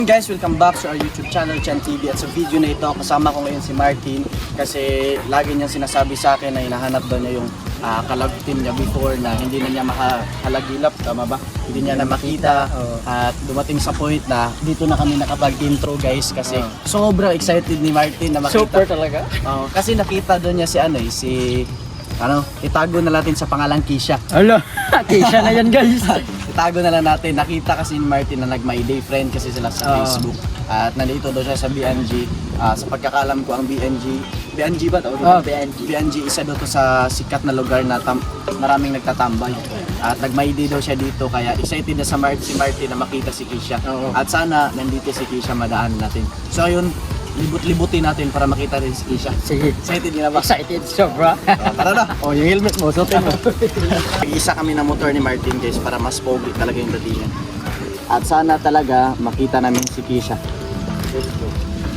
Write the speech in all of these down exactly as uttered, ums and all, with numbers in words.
Guys, welcome back to our YouTube channel, Chan T V. At sa video na ito, kasama ko ngayon si Martin. Kasi lagi niyang sinasabi sa akin na hinahanap daw niya yung uh, kalab team niya before na hindi na niya makahalagilap, tama ba? Hindi niya na makita. At dumating sa point na dito na kami nakapag-intro guys. Kasi sobrang excited ni Martin na makita. Super talaga? Uh, kasi nakita doon niya si ano eh, si... Ano, itago na natin sa pangalang Kisha. Alo, Kisha na yan guys. Itago na lang natin. Nakita kasi ni Martin na nag-my day friend kasi sila sa Uh. Facebook. At nandito daw siya sa B N G. Uh, sa pagkakalam ko ang B N G, B N G ba tawag? Oh, B N G. B N G isa daw to sa sikat na lugar na tam- maraming nagtatambay. At nag-my day daw siya dito kaya excited na sa Mar- si Martin na makita si Kisha. Oo. At sana nandito si Kisha madaan natin. So ayun, libut-libutin natin para makita rin si Kisha. Sige. Excited ka na ba? Excited, sobra. Oh, tara na. Oh, yung helmet mo, suotin mo. Isa kami ng motor ni Martin guys para mas pogi talaga yung datingan. At sana talaga makita namin si Kisha. Let's go.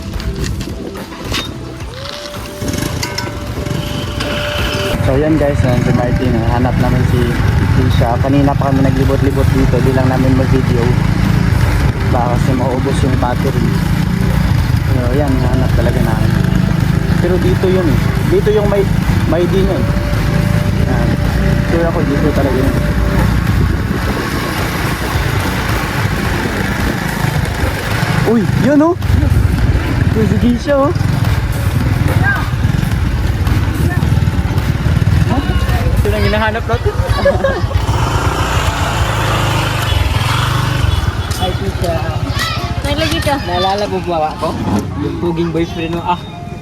So yan guys, yan si Martin. Hanap namin si Kisha. Kanina pa kami naglibot-libot dito. Di lang namin mag-video. Baka kasi maubos yung battery. So yan, hanap talaga namin. Pero dito yun eh. Dito yung may may din yun. Yan. Sure ako dito talaga yun. Uy, yun oh. Uy, si Kisha oh. Ito lang hinahanap natin. Ay, Kisha. Naglagi ka. Naalala mo ba ako? Yung puging boyfriend mo. Ah.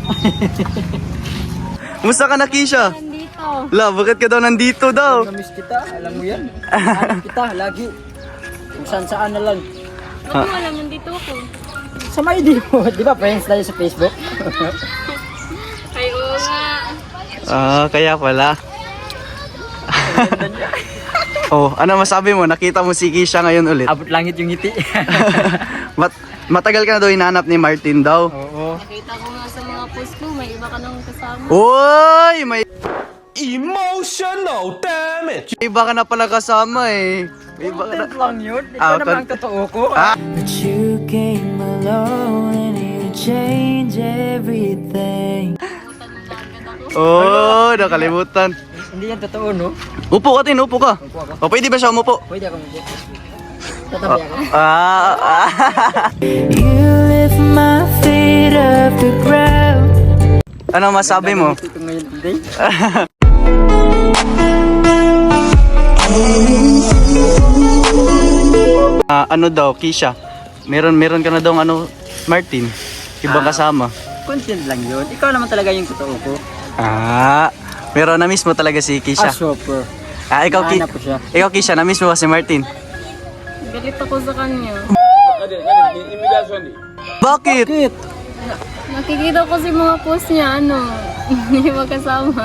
Musta ka na Kisha? Nandito. La, bakit ka daw nandito daw? Namiss kita, alam mo yan. Hanap kita, lagi. Kung saan saan na lang. Huwag mo alam, nandito ako. Sa may di mo, di ba friends tayo sa Facebook? Ay, oo nga. Ah, kaya pala. Oh, ano masabi mo? Nakita mo si Kisha ngayon ulit? Abot langit yung ngiti. Mat matagal ka na daw hinahanap ni Martin daw. Oo. Nakita ko nga sa mga post ko, may iba ka nang kasama. Uy! May Emotional damage. iba ka na pala kasama eh. May iba ka na... Content lang yun. Ito Ah, naman ang con- totoo ko. Ah. But you came along and you changed everything. Oh, nakalimutan. Hindi yan totoo, no? Upo ka tin, upo ka. Upo ako. O, pwede ba siya umupo? Pwede ako mag Tatabi ako. Ah, ah. You lift my feet off the ground. Ano masabi mo? Ito ngayon today. Ah, ano daw, Kisha? Meron meron ka na daw ano, Martin? Ibang Ah. kasama. Content lang yun. Ikaw naman talaga yung totoo ko. Ah, pero na-miss mo talaga si Ah, Kisha. super. Ah, ikaw, Ki Nahanap ko siya. ikaw Kisha, na-miss mo ba si Martin? Galit ako sa kanya. Bakit? Bakit? Nakikita ko si mga post niya, ano, hindi magkasama.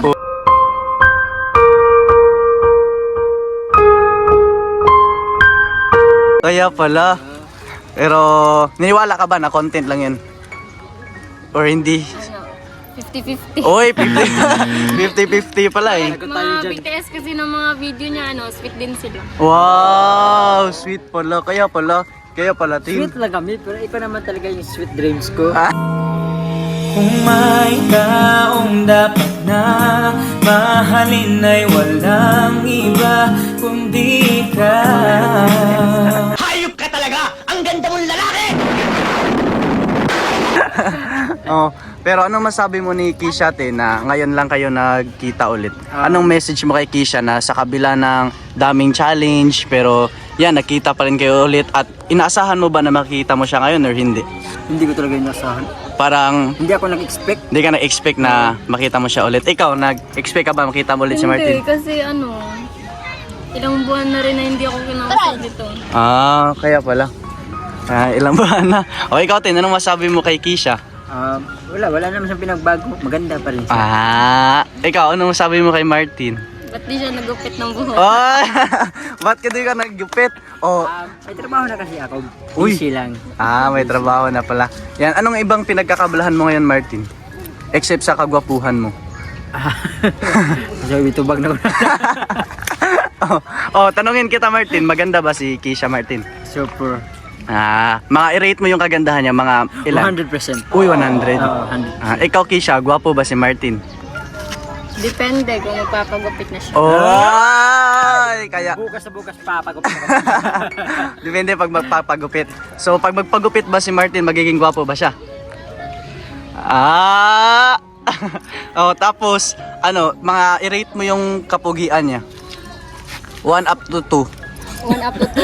Kaya pala. Pero, niniwala ka ba na content lang yun? Or hindi? Ano, fifty fifty. Oy, fifty fifty pala eh. Mga B T S kasi ng mga video niya, ano, sweet din sila. Wow, sweet pala. Kaya pala. Kaya pala, team. Sweet lang kami, pero ikaw naman talaga yung sweet dreams ko. Ah. Kung may taong dapat na mahalin ay walang iba kundi ka. Hayop ka talaga! Ang ganda mong lalaki! Oh, pero anong masabi mo ni Kisha te na ngayon lang kayo nagkita ulit? Ah. Anong message mo kay Kisha na sa kabila ng daming challenge pero yan, nakita pa rin kayo ulit at inaasahan mo ba na makikita mo siya ngayon or hindi? Hindi ko talaga inasahan. Parang Hindi ako nag-expect. hindi ka na-expect na makita mo siya ulit. Ikaw, nag-expect ka ba makita mo ulit si Martin? Hindi, kasi ano, ilang buwan na rin na hindi ako kinakasal dito. Ah, kaya pala. Ah, ilang buwan na. O ikaw, Tin, anong masabi mo kay Kisha? Um, wala, wala naman siyang pinagbago. Maganda pa rin siya. Ah, ikaw, anong masabi mo kay Martin? Ba't di siya nagupit ng buhok? Oh, ba't ka di ka naggupit? Oh, Um, may trabaho na kasi ako. Uy. Busy lang. ah, may trabaho na pala. Yan, anong ibang pinagkakabalahan mo ngayon, Martin? Except sa kagwapuhan mo. So, itubag na ko. oh, oh, tanungin kita, Martin, maganda ba si Kisha Martin? Super. Ah, mga i-rate mo yung kagandahan niya, mga ilan? one hundred percent. Uy, one hundred. Oo, one hundred. Ah, ikaw, Kisha, gwapo ba si Martin? Depende kung magpapagupit na siya. Oh, kaya Bukas na bukas papagupit ako. depende pag magpapagupit. So, pag magpagupit ba si Martin, magiging gwapo ba siya? Ah! Oh, tapos, ano, mga i-rate mo yung kapugian niya. one up to two. One up to two.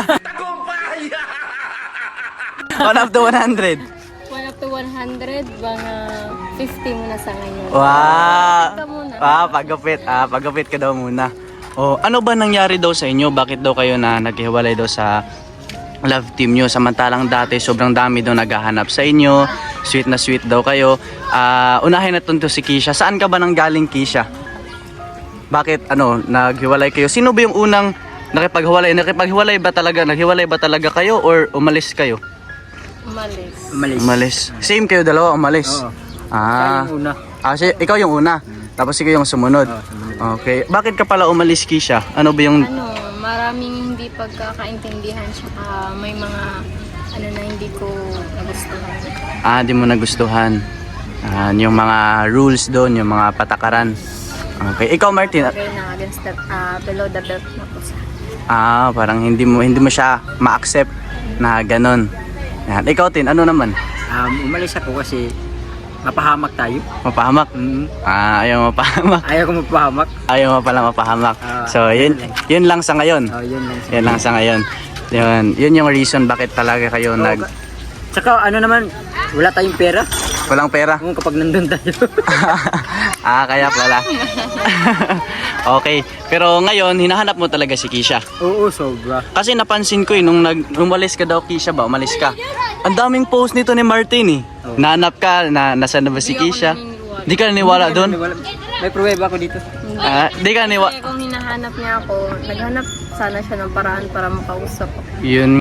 one up to one hundred. One up to one hundred. Mga fifty muna sa ngayon. Wow! Ito muna. Ah, pagupit. Ah, pagupit ka daw muna. Oh, ano ba nangyari daw sa inyo? Bakit daw kayo na naghiwalay daw sa love team nyo? Samantalang dati sobrang dami daw naghahanap sa inyo. Sweet na sweet daw kayo. Ah, unahin natin to si Kisha. Saan ka ba nang galing, Kisha? Bakit ano, naghiwalay kayo? Sino ba yung unang nakipaghiwalay? Nakipaghiwalay ba talaga? Naghiwalay ba talaga kayo or umalis kayo? Umalis. Malis. Umalis. Same kayo dalawa, umalis. Oo. Ah. Kaya yung una. Ah, si, ikaw yung una. Tapos ikaw yung sumunod. Oo, sumunod. Okay. Bakit ka pala umalis, Kisha? Ano ba yung... Ano, maraming hindi pagkakaintindihan tsaka may mga ano na hindi ko nagustuhan. Ah, di mo nagustuhan. Ah, yung mga rules doon, yung mga patakaran. Okay. Ikaw, Martin. Bagay na against the, ah, below the belt na po sa. Ah, parang hindi mo hindi mo siya ma-accept na ganun. Yan. Ikaw, Tin, ano naman? Um, umalis ako kasi mapahamak tayo. Mapahamak? Mm. Ah, ayaw mapahamak. Ayaw ko mapahamak. Ayaw mo pala mapahamak. Ah, So, yun, yun lang sa ngayon. Oh, yun lang. Yan lang sa ngayon. Yun, yun yung reason bakit talaga kayo Oo, nag... ka- Tsaka ano naman, wala tayong pera. Walang pera? Kung kapag nandun tayo. Ah, kaya pala. Okay. Pero ngayon, hinahanap mo talaga si Kisha. Oo, sobra. Kasi napansin ko eh, nung nag umalis ka daw, Kisha ba? Umalis ka. Ang daming post nito ni Martin eh. Oo. Nahanap ka, na, nasaan na ba si Hindi ako Kisha? naniniwala. Di ka naniwala doon? May pruweba ako dito. Hindi. Ah, di ka naniwala. Kasi kung hinahanap niya ako, naghanap sana siya ng paraan para makausap ako. Yun.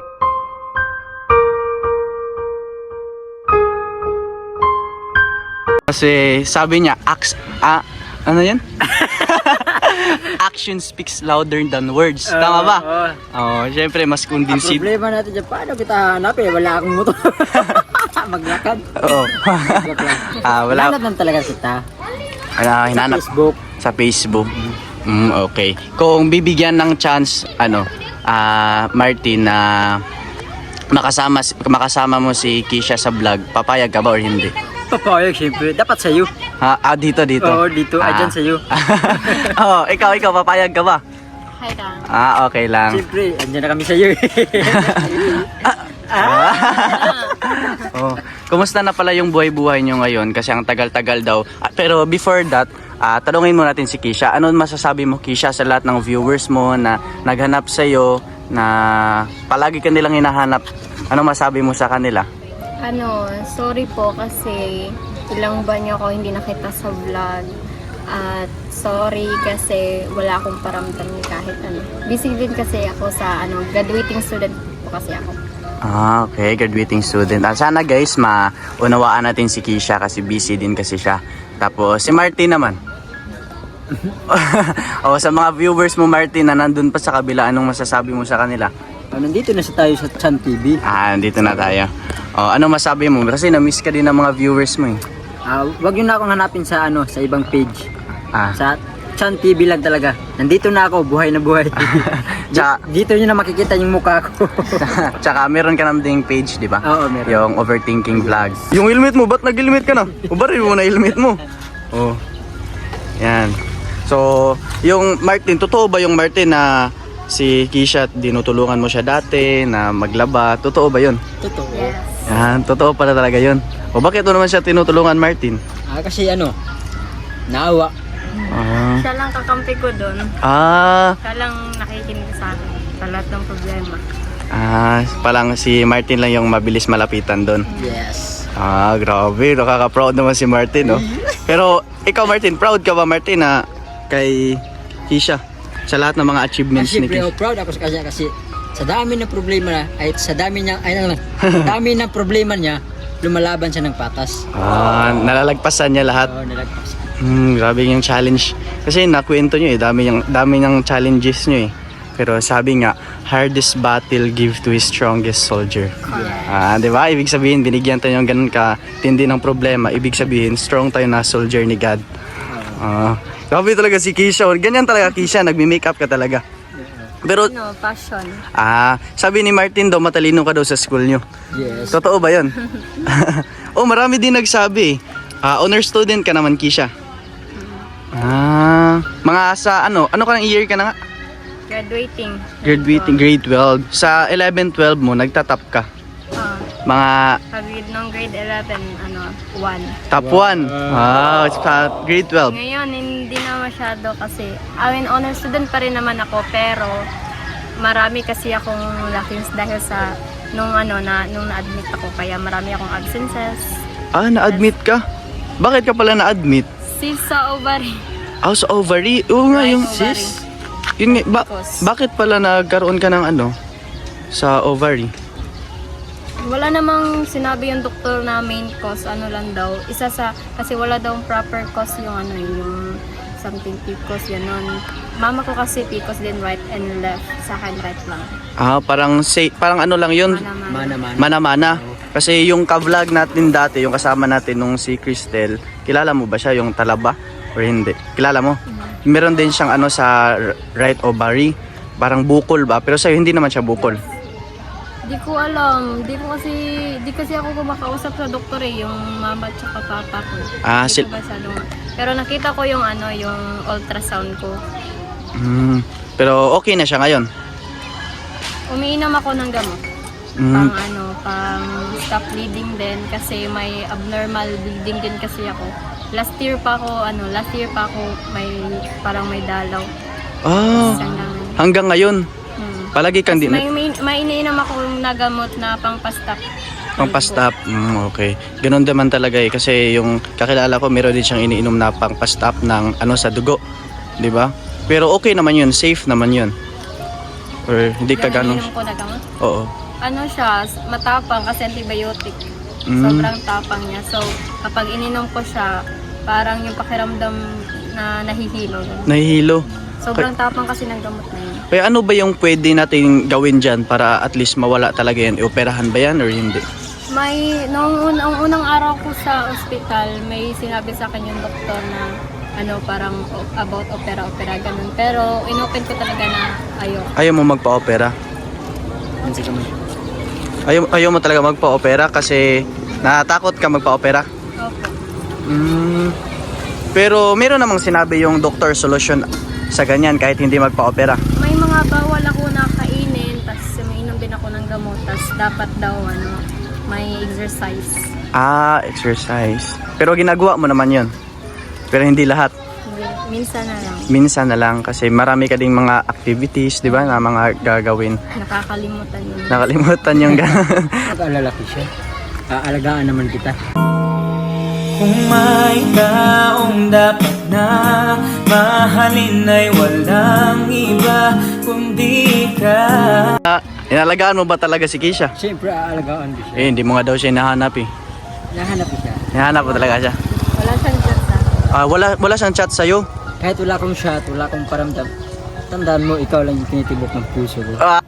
Kasi sabi niya, ax, ah, ano yan? Action speaks louder than words. Tama ba? Oo. Oo, syempre mas Ang convincing. problema natin dyan, paano kita hanapin? Wala akong motor. Maglakad. Oo. Joke lang. Ah, wala. Hanap lang talaga kita. Ano, Sa hinanap Facebook. sa Facebook. Mm, okay. Kung bibigyan ng chance, ano, ah, Martin, na makasama makasama mo si Kisha sa vlog, papayag ka ba or hindi? Papayag, syempre. Dapat sa'yo. Ha, ah, dito dito. Oo, dito. Ay, Ah. dyan sa'yo. Oh, ikaw ikaw papayag ka ba? Hi lang. Ah, okay lang. Siyempre, andyan na kami sa'yo. Oh, kumusta na pala yung buhay-buhay nyo ngayon? Kasi ang tagal-tagal daw. Ah, pero before that, ah, tanungin mo natin si Kisha. Ano masasabi mo, Kisha, sa lahat ng viewers mo na naghanap sa'yo, na palagi ka nilang hinahanap? Ano masabi mo sa kanila? Ano, sorry po kasi ilang buwan niyo ako hindi nakita sa vlog. At sorry kasi wala akong paramdam ni kahit ano. Busy din kasi ako sa ano, graduating student po kasi ako. Ah, okay. Graduating student. Ah, sana guys, maunawaan natin si Kisha kasi busy din kasi siya. Tapos, si Martin naman. O, sa mga viewers mo, Martin, na nandun pa sa kabila, anong masasabi mo sa kanila? Oh, nandito na sa tayo sa Chan T V. Ah, dito na tayo. O, ano masabi mo? Kasi na-miss ka din ng mga viewers mo eh. Ah, wag yun na akong hanapin sa ano, sa ibang page. Ah, Sa Chan T V lang talaga. Nandito na ako, buhay na buhay. Tsaka- Dito nyo na makikita yung mukha ko. tsaka meron ka naman ding page, di ba? Oo, meron. Yung overthinking vlog. Yung helmet mo, ba't nag-helmet ka na? Ubarin mo na helmet mo. Oh. Yan. So, yung Martin, totoo ba yung Martin na si Kisha, dinutulungan mo siya dati na maglaba? Totoo ba yun? Totoo. Yes. Yan, totoo pala talaga yun. O bakit mo naman siya tinutulungan, Martin? Ah, kasi ano, naawa. Ah, Siya lang kakampi ko doon. ah, Siya lang nakikinig sa akin sa lahat ng problema. ah, palang si Martin lang yung mabilis malapitan doon. Yes. Ah, grabe. Nakaka-proud naman si Martin, no? Pero, ikaw, Martin, proud ka ba, Martin, na kay Kisha? Sa lahat ng mga achievements Kasi ni siyempre, Kisha? oh, proud ako sa kanya kasi sa dami ng problema na, ay sa dami niya, ay ano, sa dami ng problema niya, lumalaban siya ng patas. Ah, nalalagpasan niya lahat. Oo, nalagpas. Hmm, grabe yung challenge. Kasi nakwento nyo eh, dami yung dami ng challenges nyo eh. Pero sabi nga, hardest battle give to his strongest soldier. Ah, di ba? Ibig sabihin, binigyan tayo ng ganun ka tindi ng problema. Ibig sabihin, strong tayo na soldier ni God. Ah, grabe talaga si Kisha. Ganyan talaga Kisha, nagmi-makeup ka talaga. Pero, Ano, passion. ah, sabi ni Martin daw, matalino ka daw sa school nyo. Yes. Totoo ba yun? Oh, marami din nagsabi. Ah, honor student ka naman, Kisha. Ah, mga sa ano, ano ka ng year ka na nga? Graduating. Graduating grade twelve. Sa eleven twelve mo, nagtatap ka. Ah, Mga pag nung grade eleven, ano, one. top one. Ah, sa grade twelve. Ngayon, hindi na masyado kasi, I mean, honor student pa rin naman ako, pero marami kasi akong lakings dahil sa nung ano na nung na-admit ako, kaya marami akong absences. Ah, na-admit ka? Bakit ka pala na-admit? Sis sa ovary. Ah, sa ovary. Oo nga, Right yung ovary. Yun nga, ba- Cause. bakit pala nagkaroon ka ng ano sa ovary? Wala namang sinabi yung doktor na main cause, ano lang daw. Isa sa, kasi wala daw proper cause yung ano, yung something P C O S, yan nun. Mama ko kasi P C O S din, right and left. Sa akin, right lang. Ah, parang say, parang ano lang yun. Mana-mana. Mana-mana. Mana-mana. Kasi yung ka-vlog natin dati, yung kasama natin nung si Cristel, kilala mo ba siya, yung talaba? Or hindi? Kilala mo? Meron din siyang ano sa r- right ovary. Parang bukol ba? Pero sa'yo hindi naman siya bukol. Di ko alam. Di ko kasi, di kasi ako kumakausap sa doktor eh, yung mama at saka papa ko. Ah, Di sil- ko masyadong- Pero nakita ko yung ano, yung ultrasound ko. Mm, pero okay na siya ngayon. Umiinom ako ng gamot. Mm, Pang ano, pang stop bleeding din kasi may abnormal bleeding din kasi ako. Last year pa ako, ano, last year pa ako may parang may dalaw. ah, Hanggang, hanggang ngayon. hmm. Palagi kang di May, may, may iniinom ako na gamot na pang pastap. pang pastap. Mm, okay. Ganun naman talaga eh. Kasi yung kakilala ko, meron din siyang iniinom na pang pastap ng ano sa dugo. Di ba? Pero okay naman yun. Safe naman yun. Or hindi ka ganun. Iniinom ko na gamot. Oo. Ano siya, matapang kasi antibiotic. Mm. Sobrang tapang niya. So, kapag ininom ko siya, parang yung pakiramdam na nahihilo. Nahihilo. Sobrang tapang kasi ng gamot na yun. Kaya ano ba yung pwede natin gawin dyan para at least mawala talaga yan? Ioperahan ba yan or hindi? May, nung un- ang unang araw ko sa ospital, may sinabi sa akin yung doktor na ano, parang o- about opera-opera, ganun. Pero inopen ko talaga na ayaw. Ayaw mo magpa-opera? Hindi ka man. Ayaw, ayaw mo talaga magpa-opera kasi natakot ka magpa-opera? Opo. Mm, pero meron namang sinabi yung doctor solution sa ganyan kahit hindi magpa-opera. May mga bawal ako na kainin, tapos umiinom din ako ng gamot, tapos dapat daw ano, may exercise. Ah, exercise. Pero ginagawa mo naman yun. Pero hindi lahat. Hindi, minsan na lang. Minsan na lang kasi marami ka ding mga activities, di ba, na mga gagawin. Nakakalimutan yun. Nakalimutan yung gano'n. Pag-alalaki siya. Aalagaan naman kita. Kung may taong dapat na mahalin ay walang iba kundi ka. Inalagaan mo ba talaga si Kisha? Siyempre, aalagaan ko siya. Eh, hindi mo nga daw siya hinahanap eh. Nahanap ko siya. Hinahanap mo talaga siya. Wala siyang chat sa Ah, wala, wala siyang chat sa'yo. Kahit wala akong shot, wala akong paramdam, tandaan mo, ikaw lang yung tinitibok ng puso ko. Ah.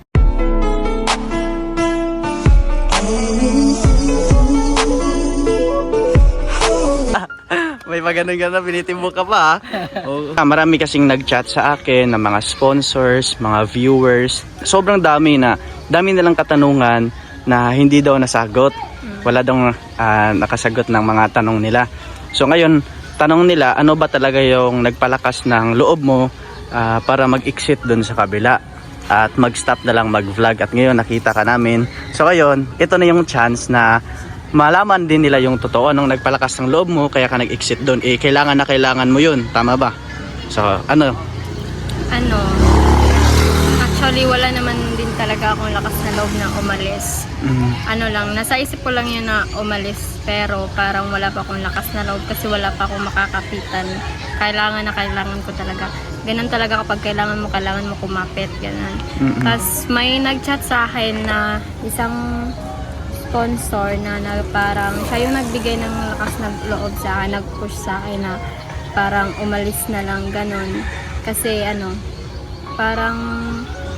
May pag ganun-ganun, pinitimbok ka pa ha. Oo. Ah, marami kasing nag-chat sa akin ng mga sponsors, mga viewers. Sobrang dami na, dami nilang katanungan na hindi daw nasagot. Wala daw ah, nakasagot ng mga tanong nila. So ngayon, tanong nila, ano ba talaga yung nagpalakas ng loob mo ah, para mag-exit dun sa kabila at mag-stop na lang mag-vlog. At ngayon nakita ka namin. So ngayon, ito na yung chance na malaman din nila yung totoo nung nagpalakas ng loob mo kaya ka nag-exit doon. Eh, kailangan na kailangan mo yun. Tama ba? So, ano? ano, actually wala naman din talaga akong lakas na loob na umalis. Mm, Ano lang, nasa isip ko lang yun na umalis, pero parang wala pa akong lakas na loob kasi wala pa akong makakapitan. Kailangan na kailangan ko talaga. Ganun talaga kapag kailangan mo, kailangan mo kumapit, ganun. mm, mm. Tapos may nag-chat sa akin na isang sponsor na, na parang siya yung nagbigay ng lakas na loob sa akin, nag-push sa akin na parang umalis na lang, ganun. Kasi ano, parang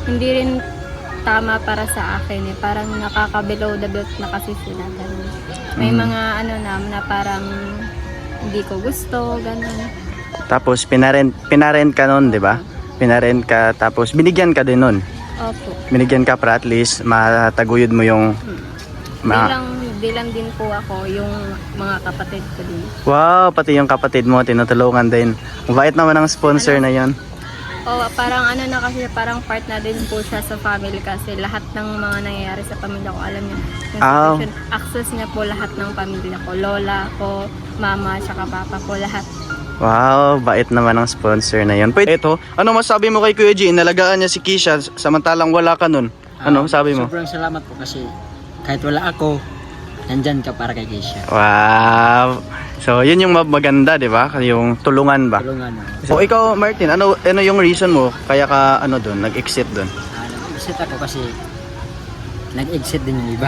hindi rin tama para sa akin eh. Parang nakaka-below the belt na kasi sila. Ganun. May Mm. mga ano na, na parang hindi ko gusto, ganun. Tapos pinarent, pinarent ka nun, di ba? Pinarent ka, tapos binigyan ka din nun. Opo. Binigyan ka para at least mataguyod mo yung... Ma- Bilang, bilang din po ako yung mga kapatid ko din. wow, pati yung kapatid mo, tinutulungan din. Mabait naman ang sponsor na yon. O parang ano na kasi, parang part na din po siya sa family kasi lahat ng mga nangyayari sa pamilya ko, alam niya. Yung Ah. situation, access niya po lahat ng pamilya ko. Lola ko, mama, tsaka papa ko, lahat. Wow, bait naman ang sponsor na yon. Pwede ito, ano masabi mo kay Kuya G? Nalagaan niya si Kisha samantalang wala ka nun. Ano Ah, sabi mo? Sobrang salamat po kasi kahit wala ako, nandyan ka para kay Keisha. Wow. So, yun yung maganda, di ba? Yung tulungan ba? Tulungan mo. O ikaw, Martin, ano ano yung reason mo kaya ka ano doon, nag-exit doon? Ah, nag-exit ako kasi nag-exit din yung iba.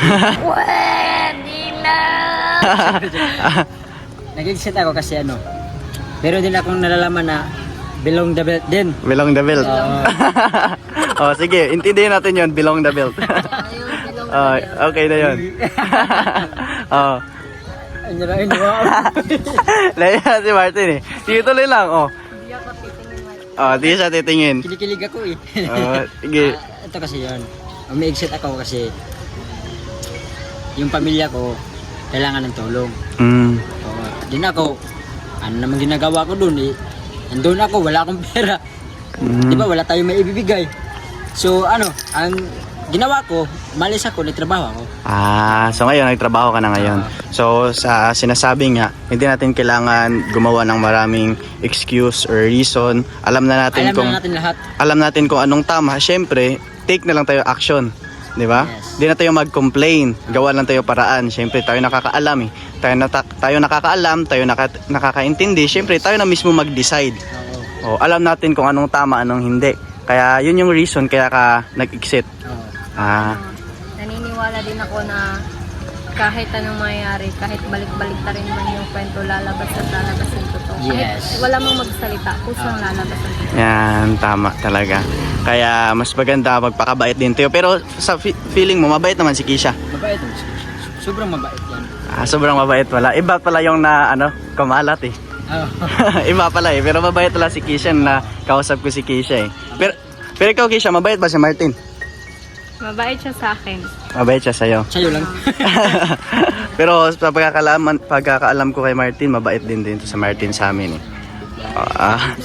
Nag-exit ako kasi ano, pero din akong nalalaman na belong the belt din. Belong the belt. Oo. Oh, sige, intindihin natin yun, belong the belt. Oh, okay na yun. Oh. Ano na yun, wow. Naiya si Martin eh. Sige, tuloy lang. Oh. Hindi ako titingin na. Oh, di siya titingin. Kinikilig ako eh. Oh, sige. Ah, ito kasi yun. Umi-exit ako kasi yung pamilya ko kailangan ng tulong. Mm. Oo. Din ako, ano naman ginagawa ko dun eh. Nandun ako, wala akong pera. Mm. Di ba, wala tayong maibibigay. So ano, ang ginawa ko, malis ako, nagtrabaho ako. Ah, so ngayon nagtrabaho ka na ngayon. So sa sinasabi nga, hindi natin kailangan gumawa ng maraming excuse or reason. Alam na natin Alam kung na natin lahat. alam natin kung anong tama. Syempre, take na lang tayo action, 'di ba? Yes. Hindi na tayo mag-complain. Gawa lang tayo paraan. Syempre, tayo nakakaalam eh. Tayo na tayo nakakaalam, tayo naka, nakakaintindi. Syempre, tayo na mismo mag-decide. Oo. O, alam natin kung anong tama, anong hindi. Kaya yun yung reason kaya ka nag-exit. Oo. Ah, Naniniwala din ako na kahit anong mangyayari, kahit balik-balik na rin man yung kwento, lalabas at lalabas yung totoo. Yes. Kahit wala mang magsalita, kusang lalabas ang totoo. yan, tama talaga. Kaya mas maganda magpakabait din tayo. Pero sa fi- feeling mo, mabait naman si Kisha. Mabait ang si Keisha. Sobrang mabait yan. Ah, sobrang mabait pala. Iba pala yung na, ano, kumalat eh. Oo. Iba pala eh. Pero mabait pala si Kisha na kausap ko si Kisha eh. Pero, pero ikaw Kisha, mabait ba si Martin? Mabait siya sa akin. Mabait siya sa'yo. Sa'yo lang. Pero sa pagkakaalam, pagkakaalam ko kay Martin, mabait din din to sa Martin sa amin eh. Ah.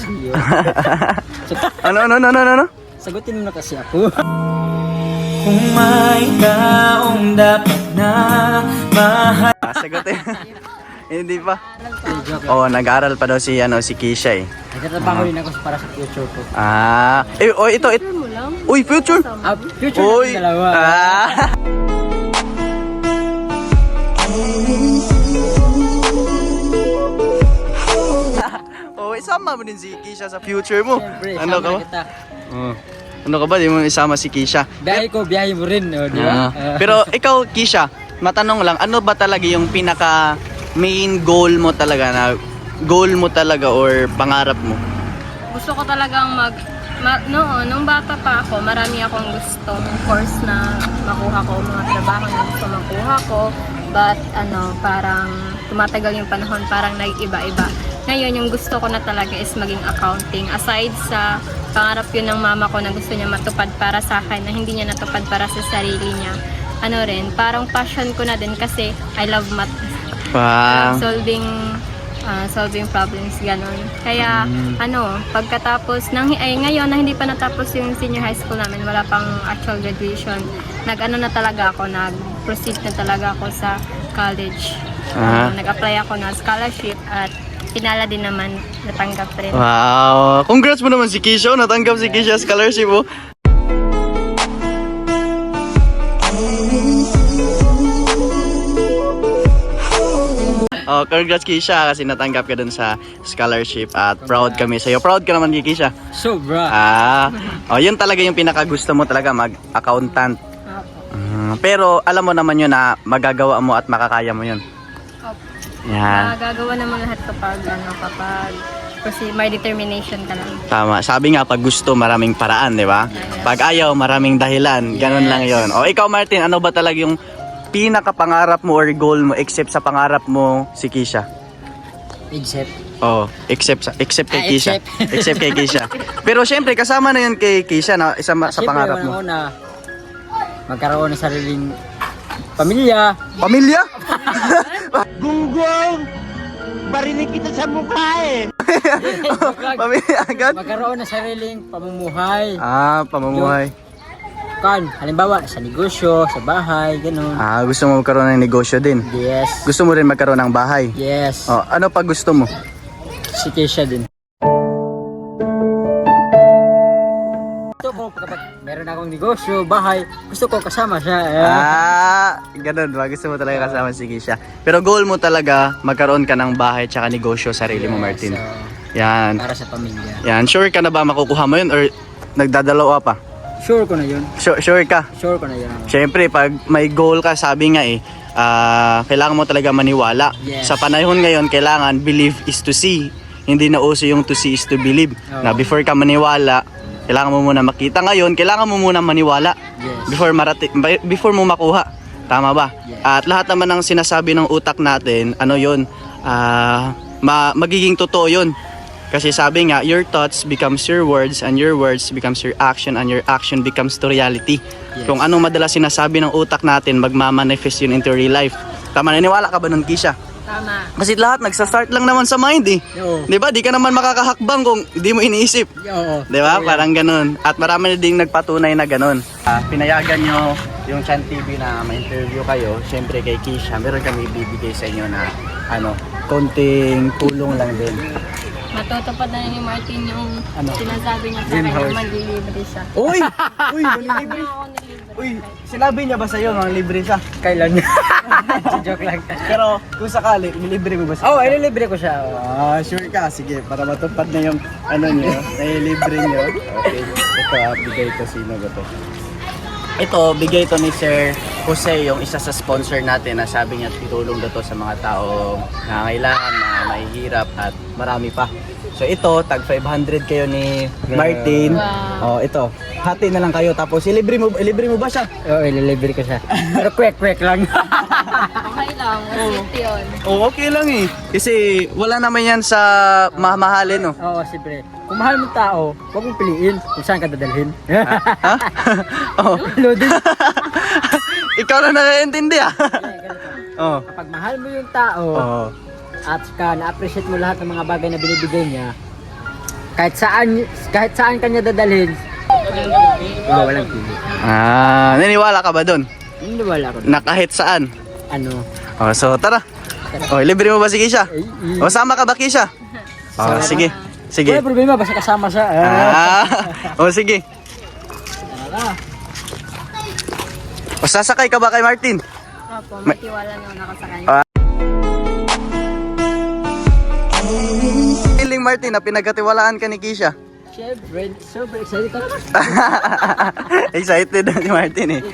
ano, ano, ano, ano, ano? Sagutin mo na kasi ako. Kung may taong dapat na mahal. Ah, sagutin. Hindi pa. Joke. Oo, oh, nag-aaral pa daw si, ano, si Kisha eh. Nagtatrabaho din ako para sa future ko. Ah. Eh, oh, ito, ito. Mo lang. Uy, future. Ah, future Uy. natin dalawa. Ah. Oh, isama mo din si Kisha sa future mo. Siyempre, Ano sama ka ba? kita. Oh. Ano ka ba? Di mo isama si Kisha. Biyahe ko, biyahe mo rin, oh, di ba? Ah. Pero ikaw, Kisha, matanong lang, ano ba talaga yung pinaka main goal mo talaga na goal mo talaga or pangarap mo? Gusto ko talagang mag... Ma, noon, nung bata pa ako, marami akong gustong course na makuha ko, mga trabaho na gusto makuha ko. But ano, parang tumatagal yung panahon, parang nag-iba-iba. Ngayon, yung gusto ko na talaga is maging accounting. Aside sa pangarap yun ng mama ko na gusto niya matupad para sa akin, na hindi niya natupad para sa sarili niya. Ano rin, parang passion ko na din kasi I love math. Wow. solving ah, solving problems, ganon. Kaya, ano, pagkatapos, ng, ay ngayon na hindi pa natapos yung senior high school namin, wala pang actual graduation, nag-ano na talaga ako, nag-proceed na talaga ako sa college. Ah. Ah, nag-apply ako na scholarship at pinala din naman, natanggap rin. Wow. Congrats mo naman si Kisha. Natanggap si Kisha scholarship mo. Oh, congrats Kisha kasi natanggap ka dun sa scholarship at proud kami sa'yo. Proud ka naman kay Kisha. Sobra. Ah, oh, yun talaga yung pinakagusto mo talaga, mag-accountant. Opo. Mm, pero alam mo naman yun na magagawa mo at makakaya mo yun. Opo. Yan. Magagawa naman lahat kapag, ano, kapag Kasi may determination ka lang. Tama. Sabi nga, pag gusto, maraming paraan, di ba? Pag ayaw, maraming dahilan. Ganun Yes. lang yon. O ikaw, Martin, ano ba talaga yung pinaka-pangarap mo or goal mo except sa pangarap mo si Kisha? Except, Oh, except sa except kay Ah, Kisha. except. Except kay Kisha. Pero syempre kasama na 'yun kay Kisha na isa ma- sa siyempre, pangarap mo. una, magkaroon ng sariling pamilya. Pamilya? Gunggong! Barinig kita sa mukha eh! Pamilya agad? Magkaroon ng sariling pamumuhay. Ah, pamumuhay. Kan, halimbawa, sa negosyo, sa bahay, ganun. Ah, gusto mo magkaroon ng negosyo din. Yes. Gusto mo rin magkaroon ng bahay. Yes. Oh, ano pa gusto mo? Si Keisha din. Gusto ko kapag meron akong negosyo, bahay, gusto ko kasama siya. Ah, ganun ba? Gusto mo talaga kasama si Kisha. Pero goal mo talaga magkaroon ka ng bahay tsaka negosyo sarili mo, Martin. So, Yan. para sa pamilya. Yan, sure ka na ba makukuha mo 'yun or nagdadalawa pa? Sure ko na yun. Sure, sure ka? Sure ko na yun. Siyempre, pag may goal ka, sabi nga eh, ah, kailangan mo talaga maniwala. Yes. Sa panahon ngayon, kailangan believe is to see. Hindi na uso yung to see is to believe. Oo. Na before ka maniwala, kailangan mo muna makita. Ngayon, kailangan mo muna maniwala Yes. before marati before mo makuha. Tama ba? Yes. At lahat naman ng sinasabi ng utak natin, ano yun, ah, ma- magiging totoo yun. Kasi sabi nga, your thoughts becomes your words and your words becomes your action and your action becomes to reality. Yes. Kung anong madalas sinasabi ng utak natin, magmamanifest yun into real life. Tama, naniniwala ka ba nun, Kisha? Tama. Kasi lahat nagsa-start lang naman sa mind eh. Oo. 'Di ba? Di ka naman makakahakbang kung di mo iniisip. Oo. 'Di ba? Oo, yan. Parang ganun. At marami na ding nagpatunay na ganun. Ah, pinayagan nyo yung Chan T V na ma-interview kayo. Siyempre kay Kisha, meron kami bibigay sa inyo na ano, konting tulong lang din. Matutupad na ni Martin yung Ano? sinasabi niya sa Dream akin na house. maglilibre siya. Uy! Uy, manilibre. Ako nilibre. Uy, sinabi niya ba sa'yo mga libre siya? Kailan? Joke lang. Pero kung sakali, nilibre mo ba siya? Oh, ililibre ko siya. Ah, sure ka. Sige, para matupad na yung ano niyo, nailibre niyo. Okay. Ito ah, bigay ito. Sino ba to? Ito, bigay ito ni Sir Jose, yung isa sa sponsor natin na sabi niya tutulong daw to sa mga taong nangangailangan, na mahihirap at marami pa. So ito, tag five hundred kayo ni Martin. Wow. Oh, ito. Hati na lang kayo tapos ilibre mo ilibre mo ba siya? Oo, ililibre ko siya. Pero quick-quick lang. Okay lang, receipt yun. Oh, okay lang eh. Kasi wala naman yan sa mamahalin, no. Oo, siyempre. Kung mahal mo tao, huwag mong piliin kung saan ka dadalhin. Ha? Oh. Loading. Ikaw na nakakaintindi ah. Oh. Kapag mahal mo yung tao, Oh. at saka na-appreciate mo lahat ng mga bagay na binibigay niya, kahit saan kahit saan kanya dadalhin, wala walang pili. Ah, naniwala ka ba doon? Hindi wala ko. Na kahit saan? Ano? Oh, so tara. Oh, libre mo ba si Kisha? Ay, ay. O, sama ka ba, Kisha? Oh, sige. Sige. Wala problema, basta kasama siya. Ah. Oh, sige. Ah. O, sasakay ka ba kay Martin? Opo, may tiwala naman ako sa kanya. Ah. Feeling Martin na pinagkatiwalaan ka ni Kisha. Siyempre, super excited ako. Excited na si Martin eh.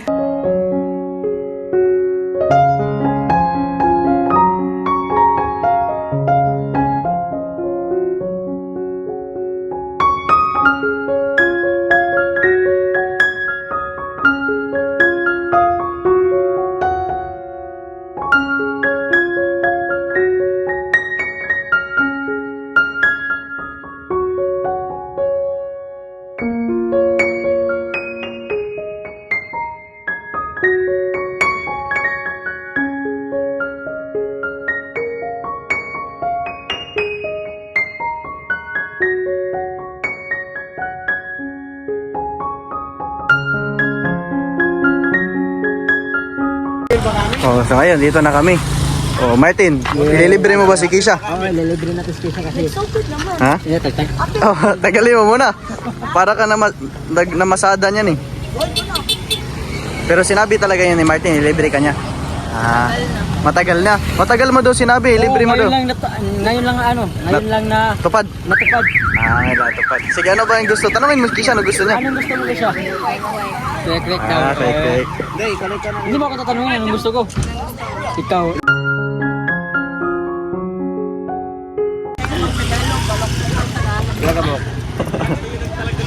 Oh, so ngayon, dito na kami. Oh, Martin, ililibre mo ba si Kisha? Oo, ililibre natin si Kisha kasi. Ha? Ina, tagtag. Oh, tagalin mo muna. Para ka na nag namasada niyan eh. Pero sinabi talaga yan ni Martin, ilibre ka niya. Ah, matagal na. Matagal mo daw sinabi, ilibre mo daw. Ngayon lang, nat- ngayon lang ano, ngayon lang na Tupad. natupad. Ah, ngayon tupad. Sige, ano ba yung gusto? Tanungin mo si Kisha, ano gusto niya? Anong gusto mo Kisha? Quick, quick daw. Ah, okay, okay. Hindi mo ako tatanungin anong gusto ko. Ikaw.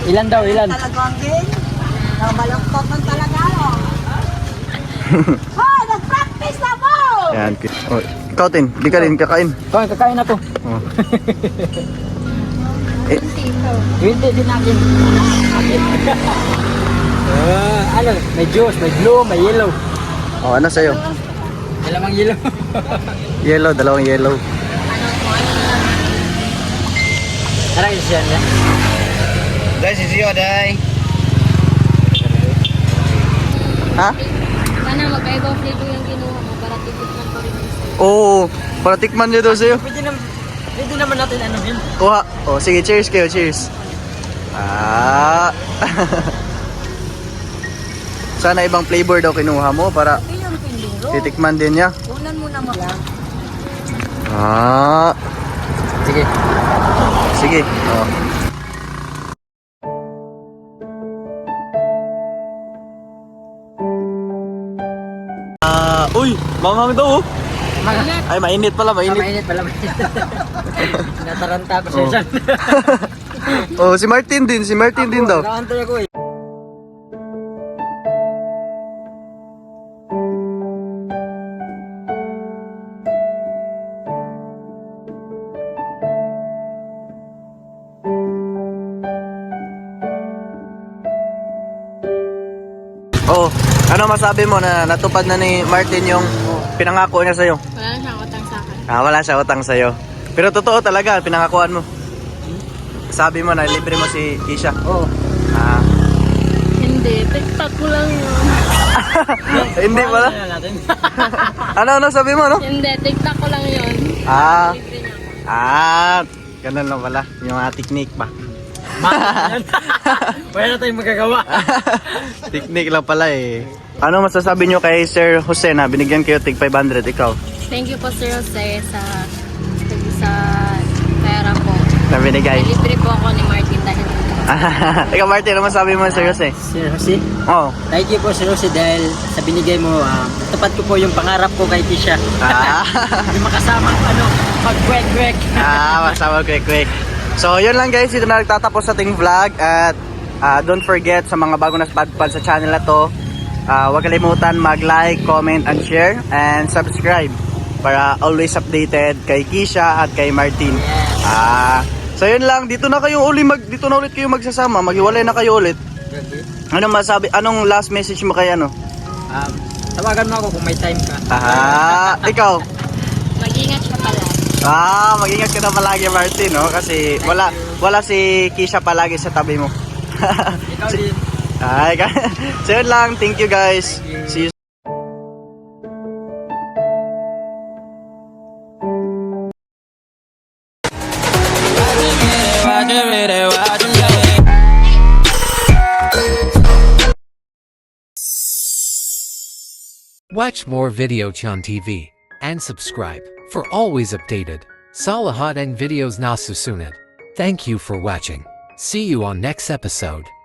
Ilan daw, ilan? Talagang din. Na malungkot man talaga. Hoy, nag-practice na mo! Yan. Oh, ikaw din, di ka rin kakain. Oh, kakain na to. Oh. twenty din natin. Ah, ano, may juice, may blue, may yellow. Oh, ano sa'yo? Dalawang yellow. Yellow, dalawang yellow. Tara, isa yan. Guys, is you, day. Ha? Sana magkaiba flavor yung kinuha mo para titikman ko rin yung sa'yo. Oo, para tikman nyo daw sa'yo. Pwede naman, pwede naman natin ano yun. Kuha. Oh, sige, cheers kayo, cheers. Ah. Sana ibang flavor daw kinuha mo para Ilang pinduro. titikman din niya. Unan mo na mo. Ah. Sige. Sige. Oh. Ah, uy, mamami daw oh. Mga, Ay, mainit pala, ah, mainit. mainit pala, mainit. Nataranta ako sa Oh. isan. Oh, si Martin din, si Martin din daw. Nakaantay ako eh. Oh, ano masabi mo na natupad na ni Martin yung pinangako niya sa'yo? Wala na siyang utang sa akin. Ah, wala siya utang sa'yo. Pero totoo talaga, pinangakuan mo. Sabi mo na libre mo si Kisha. Oo. Ah, Hindi, tiktok ko lang yun. hindi pala. Ano natin? Ano, ano sabi mo, no? Hindi, tiktok ko lang yun. Ah, Libre niya ako. ah, ganun lang pala. Yung mga technique ba? Wala na tayong magagawa. Technique lang pala eh. Ano masasabi nyo kay Sir Jose na binigyan kayo tig five hundred ikaw? Thank you po Sir Jose sa sa pera po. Na binigay? Libre po ako ni Martin dahil Ikaw Martin, ano masabi mo Sir Jose? Sir Jose, Oh. thank you po Sir Jose dahil sa binigay mo, ah, tapat ko po yung pangarap ko kay Kisha. Ah. Yung makasama ano, mag-kwek-kwek. Ah, masama quick quick. So, yun lang guys, dito na nagtatapos sa ating vlog at ah, don't forget sa mga bago na spadpad sa channel na to, ah, huwag kalimutan mag-like, comment, and share and subscribe para always updated kay Kisha at kay Martin. Ah, so yun lang, dito na kayo uli mag dito na ulit kayo magsasama, maghiwalay na kayo ulit. Anong masabi, anong last message mo kay ano? Um, tawagan mo ako kung may time ka. Ah, ikaw. mag-ingat siya pala. Ah, mag-ingat ka na palagi Martin, no? Kasi wala wala si Kisha palagi sa tabi mo. Ikaw din. Ay, so yun lang. Thank you guys. See you. Watch more Videochan T V and subscribe for always updated Salahat and videos na susunod. Thank you for watching. See you on next episode.